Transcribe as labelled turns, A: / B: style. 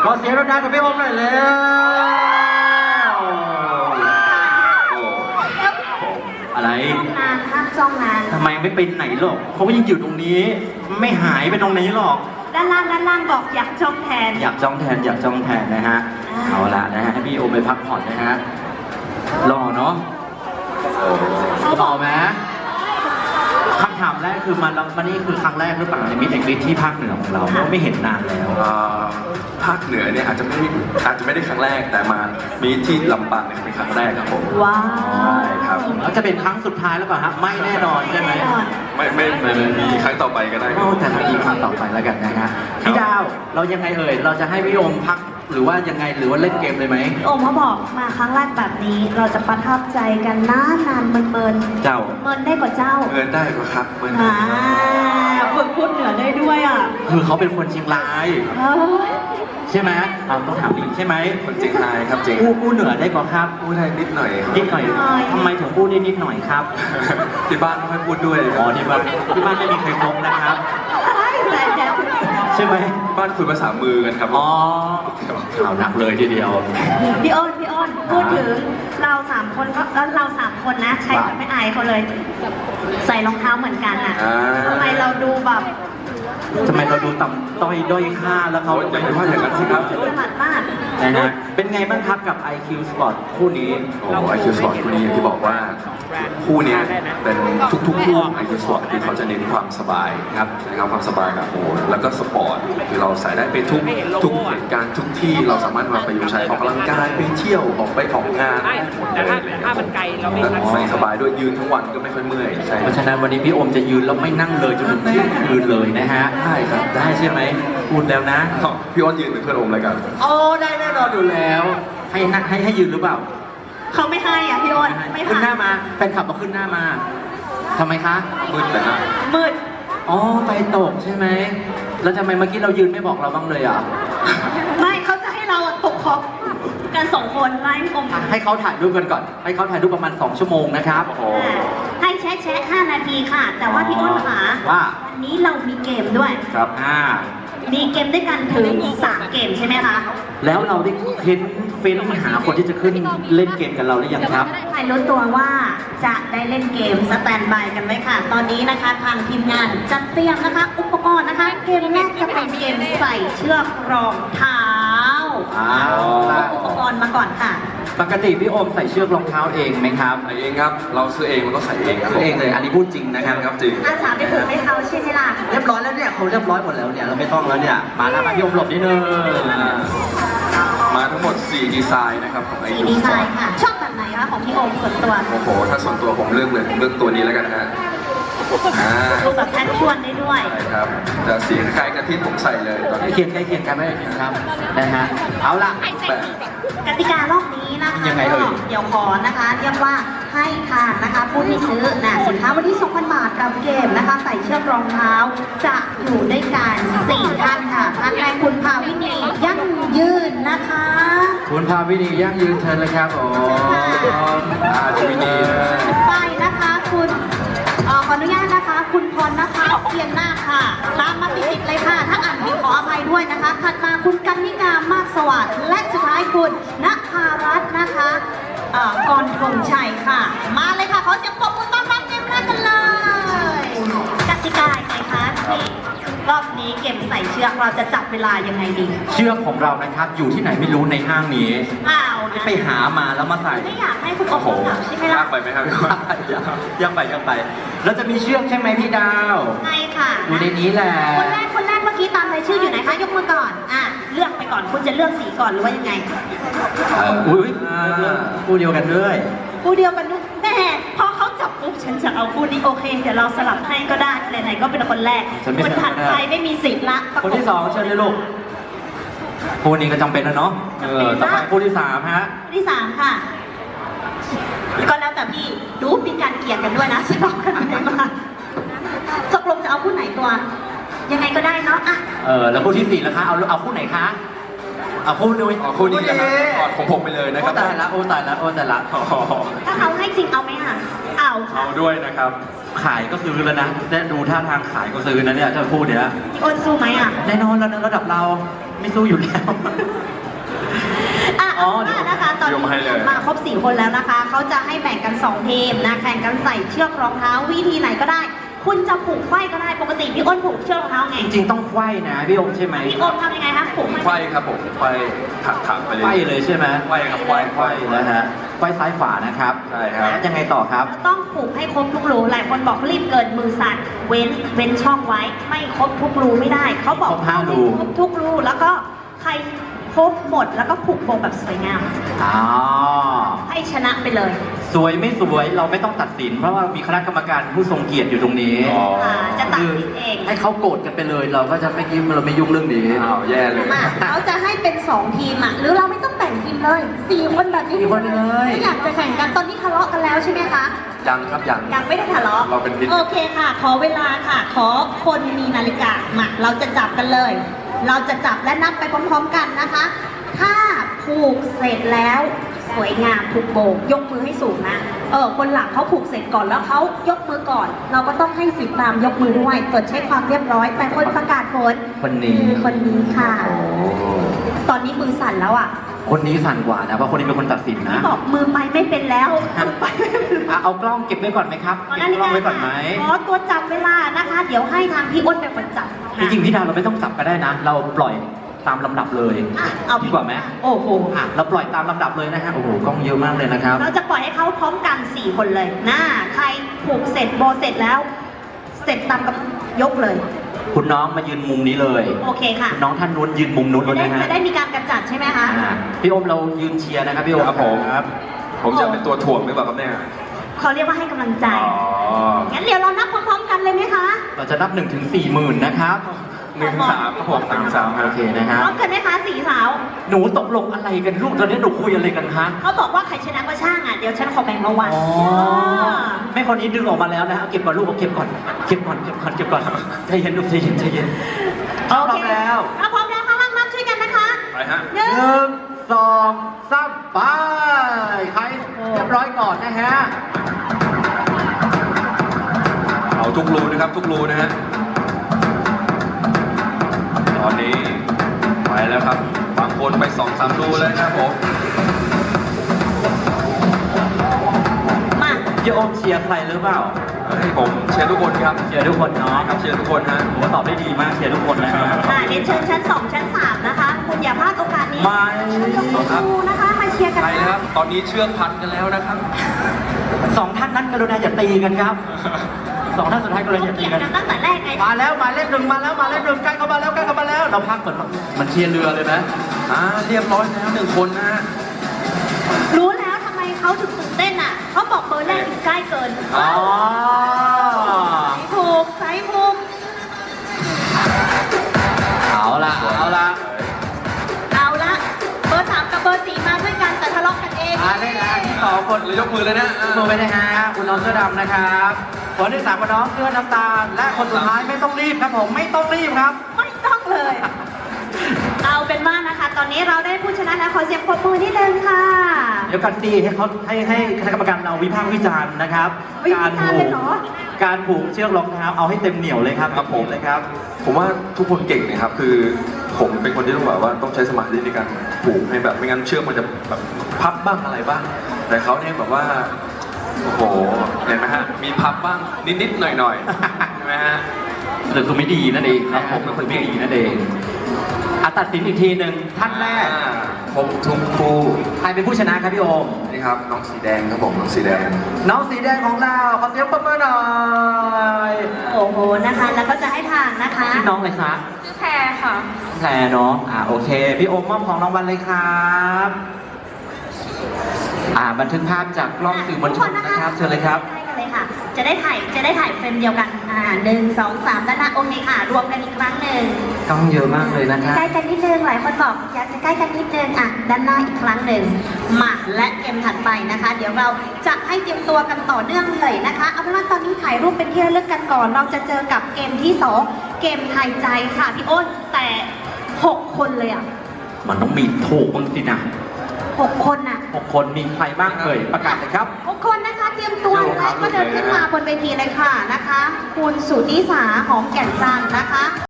A: ขอเสียงดังๆกับพี่โอมหน่อยแล้วอะไร
B: นานห้ามจ้องนาน
A: ทำไมไม่ไปไหนหรอกเขาก็ยังอยู่ตรงนี้ ไม่หายไปตรงไหนหรอก
B: ด้านล่างบอกอยากจ้องแทน
A: อยากจ้องแทนนะฮะ เอาละนะฮะให้พี่โอมไปพักผ่อนนะฮะรอเนาะรอไหมคำถามแรกคือมันนี่คือครั้งแรกหรือเปล่าในมิตรเอกฤทธิ์ที่ภาคเหนือของเราเพราะไม่เห็นนานแล้ว
C: ภาคเหนือเนี่ยอาจจะไม่ได้ครั้งแรกแต่มามีที่ลำปางเนี่ยเป็นครั้งแรกครับผม
B: ว้า
C: ใช่
B: ว
C: ครับ
A: แล้วจะเป็นครั้งสุดท้ายแล้วเปล่าฮะไม่แน่นอนใช่ไหม
B: แน่นอน
C: ไม่มีครั้งต่อไปก็ได้ครั
A: โอ้
C: บ
A: แต่ละทีครั้งต่อไปแล้วกันนะฮะพี่ดาวเรายังไงเอ่ยเราจะให้พี่โอมพักหรือว่ายังไงหรือว่าเล่นเกมเลยไหม
B: โอมเขาบอกมาครั้งแรกแบบนี้ เราจะประทับใจกันนานเมิน
A: เจ้า
B: เมินได้กว่าเจ้า
C: เงินได้ก็ครับเงิน
B: ฝึกพูดเหนือได้ด้วยอ่ะ
A: คือเขาเป็นคนเชียงราย
B: เฮ้ย
A: ใช่ไหมเราต้องถามอีกใช่ไหม
C: คนเจียงรายครับเจียง
A: กู้เหนือได้กว่าครับ
C: พูดได้นิดหน่อยครับ
A: นิดหน่อยทำไมถึงพูดได้นิดหน่อยครับ
C: ที่บ้านไม่ค่อยพูดด้วย
A: อ๋อที่บ้านไม่มีใครครบนะครับ
B: แต่
A: ใช่ไหม
C: บ้านคุยภาษามือกันครับ
A: อ๋อข่าวหนักเลยทีเดียว
B: พี่อ้นพูดถึงเราสามคนก็แล้วเราสามคนนะใช้แบบไม่อายเขาเลย ใส่รองเท้าเหมือนกันอ่ะทำไมเราดูแบบ
A: ทำไมเราดูต่ำต้อยด้อยค่าแล้วเขา
C: อย่าไปว่าอย่างนั้นสิครับ
B: ถนัดมาก
A: นะฮะเป็นไงบ้างครับกับ IQ Sport คู่นี้
C: โอ้ไอคิวสปอร์ตคู่นี้อย่างที่บอกว่าคู่เนี้ยเป็นทุกๆคู่ไอคิวสปอร์ตคือเขาจะเน้นความสบายครับนะครับความสบายกับโอ้แล้วก็สปอร์ตคือเราใส่ได้ไปทุกเหตุการณ์ทุกที่เราสามารถมาประยุกต์ใช้ออกกำลังกายไปเที่ยวออกงานได้หมดเลย
D: ถ้ามันไกลเราไม่
C: แล้วใส่สบายด้วยยืนทั้งวันก็ไม่ค่อยเมื่อยใช่
A: เพราะฉะนั้นวันนี้พี่โอมจะยืนแล้วไม่นั่งเลยจนถึงเที่ยงคืนเลยนะฮะ
C: ได้ครับ
A: ได้ใช่ไหมพูดแล้วนะ
C: พี่อ้อนยืนเป็นเพื่อนโอมเลยกัน
A: โอ้ได้แน่นอนอยู่แล้ว ให้นั่งให้ยืนหรือเปล่า
B: เขาไม่ให้อ่ะพี่อ้นไม่
A: ขึ้นห
B: ให้
A: น้ามาแฟนคลับมาขึ้นหน้ามาทำไมคะ
C: มืดนะฮะ
B: มืด
A: อ๋อไฟตกใช่ไหมแล้วทำไมเมื่อกี้เรายืนไม่บอกเราบ้างเลยอ่ะ
B: ไม่เขาจะให้เราตกคอบกันสองคนไล่อม
A: ให้เขาถ่ายรูปกันก่อน ให้เขาถ่ายรูปประมาณ2ชั่วโมงนะครับโอ้
B: ให้แชะ5 นาทีค่ะ แต่ว่าพี่อ้นค่ะ
A: ว่า
B: วันนี้เรามีเกมด้วย
C: ครับ
B: มีเกมด้วยกันถึง3เกมใช่ไหมคะ
A: แล้วเราได้เฟ้นหาคนที่จะขึ้นเล่นเกมกับเราหรือยังครับ
B: ใครรู้ตัวว่าจะได้เล่นเกมสแตนบายกันไว้ค่ะ ตอนนี้นะคะทางทีมงานจัดเตรียมนะคะ อุปกรณ์นะคะ เกมแรกจะเป็นเกมใส่เชือกรองเท้า อุปกรณ์มาก่อนค่ะ
A: ปกติพี่โอมใส่เชือกรองเท้าเองไหมครับ
C: ใส่เองครับ เราซื้อเองมันก็ใส่เองครับ
A: ซื้อเองเลย อันนี้พูดจริงนะครับ
C: ครับจริง
B: อาสาไปผูกให้เขาใช่ไหมล่ะ
A: เรียบร้อยแล้วเนี่ยเขาเรียบร้อยหมดแล้วเนี่ยเราไม่ต้องแล้วเนี่ย มาแล้วมาพี่โอมหลบนิดนึง
C: มาทั้งหมด 4 ดีไซน์นะครับของไอ
B: สี
C: คิว
B: ดี
C: ส
B: ไซ
C: ปอร์ต
B: น์ค่ะ ชอบแบบไหนคะของพี่โอมส่วนตัว
C: โอ้โห ถ้าส่วนตัวผมเลือกตัวนี้แล้วกันฮะ
B: ดูแบบแพชชวนได้ด้วย
C: ใช่ครับแต่สีคล้ายๆกับที่ผมใส่เลยตอน
A: ใกล้
C: นี้
A: เคียงกันไม่ได้เคียงครับนะฮะเอาล่ะ
C: แต่
B: กติการอบนี้นะคะ
A: ยังไงเอ่ย
B: เดี๋ยวขอนะคะเรียกว่าให้ทานนะคะผู้ที่ซื้อสินค้าวันที่ 2,000 บาทกับเกมนะคะ ใส่เชือกรองเท้าจะอยู่ด้วยกัน4ท่านค่ะท่านแรกคุณภาวินียั่งยืนนะคะ
A: คุณพาวินียั่งยืนเชิญเลยครับโอ้
C: จะมีดีนะ
B: ไปนะคะคุณขออนุญาตนะคะ คุณพรนะคะเพียรหน้าคค่ะตามมาติดๆเลยค่ะ ถ้าอ่านผิดขออภัยด้วยนะคะ ถัดมาคุณกันนิกามากสวัสดิ์และสุดท้ายคุณณภารัตน์นะคะกรธงชัยค่ะ มาเลยค่ะขอเสียงปรบมือต้อนรับเกมแรกกันเลยกติกาไงคะที่รอบนี้เกมใส่เชือกเราจะจับเวลายังไงดี
A: เชือกของเรานะครับ อยู่ที่ไหนไม่รู้ในห้างนี้
B: อ้าวนะ
A: ไปหามาแล้วมาใส่
B: ไม่อยากให้คุณโอ้
C: โอ้
B: โห
C: โห
B: ใช่ไหม
C: ยา
B: ล่ะ
C: กไปไหมครับพี่อ้อน
A: ยังไปแล้วจะมีเชือกใช่ไหมพี่ดาว
B: ใช่ค่ะ
A: อยู่ในนี้แหละ
B: คนแรกเมื่อกี้ตามรายชื่ออยู่ไหนคะยกมือก่อนเลือกไปก่อนคุณจะเลือกสีก่อนหรือว่ายังไง
A: อุ้ยคู่เดียวกันด้วย
B: คู่เดียวกันด้วยแม่พอเขาจับปุ๊บฉันจะเอาคู่นี้โอเคเดี๋ยวเราสลับให้ก็ได้ไหนๆก็เป็นคนแรก
A: ฉันไม่
B: คนถัด
A: สลับก็ได้
B: ไปไม่มีสิทธิ์ละ
A: คนที่สองเชิญเลยลูกคู่นี้ก็จำเป็นแล้วเนาะต่อไปคู่ที่สามฮะ
B: คู่ที่สามค่ะก็แล้วแต่พี่ดูมีการเกลียดกันด้วยนะสลับกันไปมาตกลงจะเอาคู่ไหนตัว ยังไงก็ได้เนาะอ่ะ
A: แล้วคู่ที่สี่แล้วคะเอาคู่ไหนคะเอาคู่นู้น
C: อ๋อคู่นี้นะครับกอดของผมไปเลยนะค
A: โอ้
C: รับ
A: ตายละโอ้ตายละโอ้ตายละ
C: อ๋อ
B: ถ้าเขาให้จริงเอาไหมอ่ะเอาค่ะ
C: เอาด้วยนะครับ
A: ขายก็ซื้อแล้วนะได้ดูท่าทางขายก็ซื้อนะเนี่ยถ้าพูดเนี่ย
B: พี่อ้นสู้ไหมอ่ะ
A: แน่นอนแล้วนะระดับเราไม่สู้อยู่แล้ว
B: อ่ะ
A: อ๋อ
B: เอาล่ะนะคะ ตอน
C: ยกให้
B: นี้
C: เลย
B: มาครบ 4 คนแล้วนะคะ เขาจะให้แบ่งกัน 2 ทีมนะ แข่งกันใส่เชือกรองเท้าวิธีไหนก็ได้ คุณจะผูกไขว้ก็ได้ ปกติพี่อ้นผูกเชือกรองเท้าไง
A: จริงๆต้องไขว้นะพี่อมใช่ไหม
B: พี่อ้นทำยังไงคะผูก
C: ไขว้ครับผมไขว้ถักไปเลย
A: ไขว้เลยใช่ไหม
C: ไขว้ครับไขว้
A: ไขว้นะฮะไขว้ซ้ายขวานะครับ
C: ใช่ครับ
A: แล้วยังไงต่อครับ
B: ต้องผูกให้ครบทุกรู หลายคนบอกรีบเกินมือสั่นเว้นช่องไว้ ไม่ครบทุกรูไม่ได้ เขาบอก
A: ครบ5รู
B: ครบทุกรู แล้วก็ใครครบหมดแล้วก็ผูกโบแบบสวยงาม
A: อ๋อ
B: ให้ชนะไปเลย
A: สวยไม่สวยเราไม่ต้องตัดสิน เพราะว่ามีคณะกรรมการผู้ทรงเกียรติอยู่ตรงนี้
C: อ๋อ
B: จะตัดสินเอง
A: ให้เขาโกรธกันไปเลย เราก็จะไม่ยิ้มเราไม่ยุ่งเรื่องนี้
C: อ้าวแย่เลย
B: มาเขาจะให้เป็น 2 ทีมอ่ะ หรือเราไม่ต้องแบ่งทีมเลย 4 คนแบบนี้
A: 4 คนไปเลย
B: ไม่อยากจะแข่งกัน ตอนนี้ทะเลาะกันแล้วใช่ไหมคะ
C: ยังครับยัง
B: ยังไม่ได้ทะเลาะ
C: เราเป็นมิตร
B: โอเคค่ะ ขอเวลาค่ะ ขอคนมีนาฬิกา มา เราจะจับกันเลย เราจะจับและนับไปพร้อมๆกันนะคะ ถ้าผูกเสร็จแล้วสวยงามผูกโบกยกมือให้สูงนะ คนหลังเขาผูกเสร็จก่อนแล้วเขายกมือก่อน เราก็ต้องให้สิทธิ์ตามยกมือด้วยตรวจเช็คความเรียบร้อย แต่คนประกาศผล
A: คนนี้
B: คือคนนี้ค่ะ
A: โอ้
B: ตอนนี้มือสั่นแล้วอ่ะ
A: คนนี้สั่นกว่านะ เพราะคนนี้เป็นคนตัดสินนะ
B: ที่บอกมือไปไม่เป็นแล้วมือไปไม่เป็นแล้ว
A: เอากล้องเก็บไว้ก่อนไหมครับ
B: ขอ
A: เก็บกล้องไว้ก่อนไหม
B: ขอตัวจับเวลานะคะ เดี๋ยวให้ทางพี่อ้นเป็นคนจับ
A: จริงๆพี่ดาวเราไม่ต้องจับก็ได้นะ เราปล่อยตามลำดับเลย
B: อ่ะเอา
A: ดีกว่าไหม
B: โอ้โห
A: อ่ะเราปล่อยตามลำดับเลยนะฮะ โอ้โห กล้องเยอะมากเลยนะครับ
B: เราจะปล่อยให้เขาพร้อมกัน 4 คนเลยนะใครผูกเสร็จโบเสร็จแล้ว เสร็จตามกับยกเลย
A: คุณน้องมายืนมุมนี้เลย
B: โอเคค่ะ
A: คุณน้องท่านนู้นยืนมุมนู้นเลยนะฮะ
B: จะได้มีการกระจัดใช่ไหมคะ
A: อ่าพี่โอมเรายืนเชียร์นะครับพี่โอม
C: ครับผม
A: ครับ
C: ผมจะเป็นตัวถ่วงหรือเปล่าครับเนี่ย
B: เขาเรียกว่าให้กำลังใจ
C: อ๋อ
B: งั้นเดี๋ยวเรานับพร้อมๆกันเลยไหมคะ
A: เราจะนับ1 ถึง 40,000นะครับ
C: 1-3ครับผม1-3ครับ
A: โอเคนะฮะ
B: พร้อมกันไหมคะสี่สาว
A: หนูตกลงอะไรกันลูกตอนนี้หนูคุยอะไรกันคะ
B: เขาบอกว่าใครชนะก็ช่างอ่ะ เดี๋ยวฉันขอแบ่งรางวัล
A: อ๋อแม่คนนี้ดึงออกมาแล้วนะฮะเอาเก็บก่อนลูกเอาเก็บก่อนเก็บก่อนเก็บก่อนเก็บก่อนใจเย็นลูกใจเย็นใจเย็นเอาพร้อมแล้ว
B: ถ้าพร้อมแล้วข้างล่างนับช่วยกันนะคะ
C: ไปฮะ
B: หนึ่ง
A: 1 2 3ไปใครเรียบร้อยก่อนนะฮะ
C: เอาทุกรูนะครับทุกรูนะฮะ ตอนนี้ไปแล้วครับ บางคนไป2-3รูเลยนะครับผม
B: มา
A: พี่โอมเชียร์ใครหรือเปล่า
C: ให้ผมเชียร์ทุกคนครับ
A: เชียร์ทุกคนเนาะ
C: ครับเชียร์ทุกคนฮะ
A: ผมว่าตอบได้ดีมากเชียร์ทุกคนนะฮะ
B: เรียนเชิญชั้น 2 ชั้น 3 นะคะ คุณอย่าพลาดโอกาสนี้
A: ไม่
B: ยกมือดูนะคะ มาเชียร์กัน
C: ไป
B: นะ
C: นะครับ ตอนนี้เชือกพันกันแล้วนะครับ
A: 2 ท่านนั้นกรุณาอย่าตีกันครับ 2 ท่านสุดท้ายกรุณาอย่าตี
B: เกี่ยง
A: กัน
B: กันตั้งแต่แรกไง
A: มาแล้วหมายเลข 1มาแล้วหมายเลข 1ใกล้เข้ามาแล้วใกล้เข้ามาแล้ว เราพักเหมือนมันเชียร์เรือเลยนะ
C: เรียบร้อยแล้ว1 คนนะฮะ
B: รู้แล้วทำไมเขาถึงตื่นเต้นอ่ะ เขาบอกเบอร์แรกอยู่ใกล้เกิน
A: อ๋อ
B: ถูกใส่มุม
A: เอาละเอาละ
B: เอาละเบอร์ 3 กับเบอร์ 4 มาด้วยกันแต่ทะเลาะกันเอง
A: ได้นะที่2คน
C: เลยยกมือเลยนะ
A: มือไปนะฮะคุณน้องเสื้อดำนะครับคนที่3คุณน้องเสื้อน้ำตาล และคนสุดท้ายไม่ต้องรีบครับผมไม่ต้องรีบครับ
B: ไม่ต้องเลย เอาเป็นว่านะคะ ตอนนี้เราได้ผู้ชนะแล้วขอเสียงปรบมือนิดนึงค่ะ
A: เดี๋ยวกันสิให้เขาให้คณะกรรมการเราวิพากษ์วิจารณ์นะครับ
B: วิพากษ์วิจารณ์เลยเหรอ
A: การผูกเชือกรองเท้าเอาให้เต็มเหนียวเลยครับ
C: ครับผม
A: เลยครับ
C: ผมว่าทุกคนเก่งนะครับ คือผมเป็นคนที่ต้องแบบว่าต้องใช้สมาธิในการผูกให้แบบไม่งั้นเชือกมันจะแบบพับบ้างอะไรบ้าง แต่เขาเนี่ยแบบว่าโอ้โหเห็นไหมฮะมีพับบ้างนิดๆหน่อยๆใช่ไหมฮะ
A: หรือคือไม่ดีนั่นเอง
C: ครับผม
A: คือไม่ดีนั่นเองตัดสินอีกทีหนึ่งท่านแรก
C: ผมทุกคู่
A: ใครเป็นผู้ชนะครับพี่โอม
C: นี่ครับน้องสีแดงครับผมน้องสีแดง
A: น้องสีแดงของเราขอเสียงปรบมือหน่อย
B: โอ้โหนะคะ แล้วก็จะให้ทางนะคะ
A: ชื่อน้องอะไรคะ
B: ชื่อแพรค่ะ
A: แพรเนาะโอเค พี่โอมมอบของรางวัลเลยครับบันทึกภาพจากกล้องสื่อมวลชนนะครับเชิญเลยครับ
B: ใกล้กันเลยค่ะ จะได้ถ่ายเฟรมเดียวกัน1 2 3ด้านหน้าโอเคค่ะ รวมกันอีกครั้งหนึ่ง
A: กล้องเยอะมากเลยนะครับ
B: ใกล้กันนิดนึงหลายคนบอกอยากจะใกล้กันนิดนึงด้านหน้าอีกครั้งหนึ่งมาและเกมถัดไปนะคะ เดี๋ยวเราจะให้เตรียมตัวกันต่อเนื่องเลยนะคะเอาเป็นว่าตอนนี้ถ่ายรูปเป็นที่ระลึกกันก่อน เราจะเจอกับเกมที่ 2 เกมไทยใจค่ะพี่อ้นแต่ 6 คนเลย
A: มันต้องมีถูกบ้างสินะ
B: 6 คน
A: 6 คนมีใครบ้างเอ่ยประกาศเลยครับ
B: 6 คนนะคะเตรียมตัวและก็เดินขึ้นมาบนเวทีเลยค่ะนะคะ คุณสุนิสาหอมแก่นจันทร์นะคะ